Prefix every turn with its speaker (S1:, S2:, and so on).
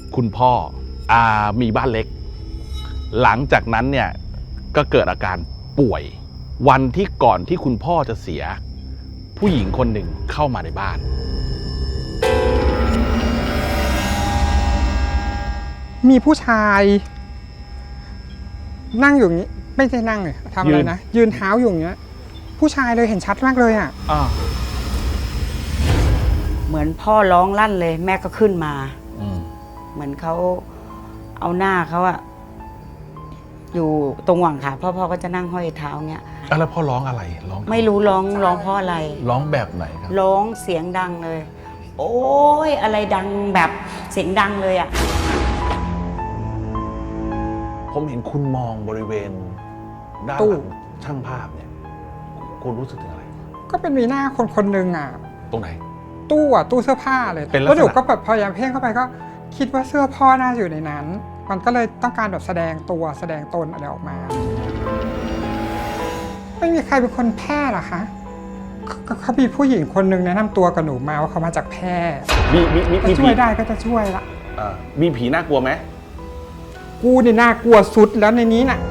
S1: คุณพ่อมีบ้านเล็กหลังจากนั้นเนี่ยก็เกิดอาการป่วยวันที่ก่อนที่คุณพ่อจะเสียผู้หญิงคนหนึ่งเข้ามาในบ้าน
S2: มีผู้ชายนั่งอยู่อย่างนี้ไม่ใช่นั่งเลยทำอะไรนะยืนเท้าอยู่อย่างเงี้ยผู้ชายเลยเห็นชัดมากเลยอ่ะ
S3: เหมือนพ่อร้องลั่นเลยแม่ก็ขึ้นมาเหมือนเขาเอาหน้าเขาอะอยู่ตรงหว่างขาพ่อก็จะนั่งห้อยเท้าเงี้ย
S1: แล้วพ่อร้องอะไรร้อง
S3: ไม่รู้ร้องเพราะอะไร
S1: ร้องแบบไหนครับ
S3: ร้องเสียงดังเลย โอ้ยอะไรดังแบบเสียงดังเลยอะ
S1: ผมเห็นคุณมองบริเวณด้านหลังช่างภาพเนี่ยคุณรู้สึกถึงอะไร
S2: ก็เป็นมีหน้าคนหนึ่งอ่ะ
S1: ตรงไหน
S2: ตู้เสื้อผ้าเลยแล้วหนูก็แบบพยายามเพ่งเข้าไปก็คิดว่าเสื้อพ่อน่าอยู่ในนั้นมันก็เลยต้องการแบบแสดงตัวแสดงตนอะไรออกมาไม่มีใครเป็นคนแพร่หรอคะเขามีผู้หญิงคนหนึ่งแนะนำตัวกับหนูมาว่าเขามาจากแพร่
S1: มี
S2: ช่วยได้ก็จะช่วยละ
S1: มีผีน่ากลัวไหม
S2: กูนี่น่ากลัวสุดแล้วในนี้น่ะ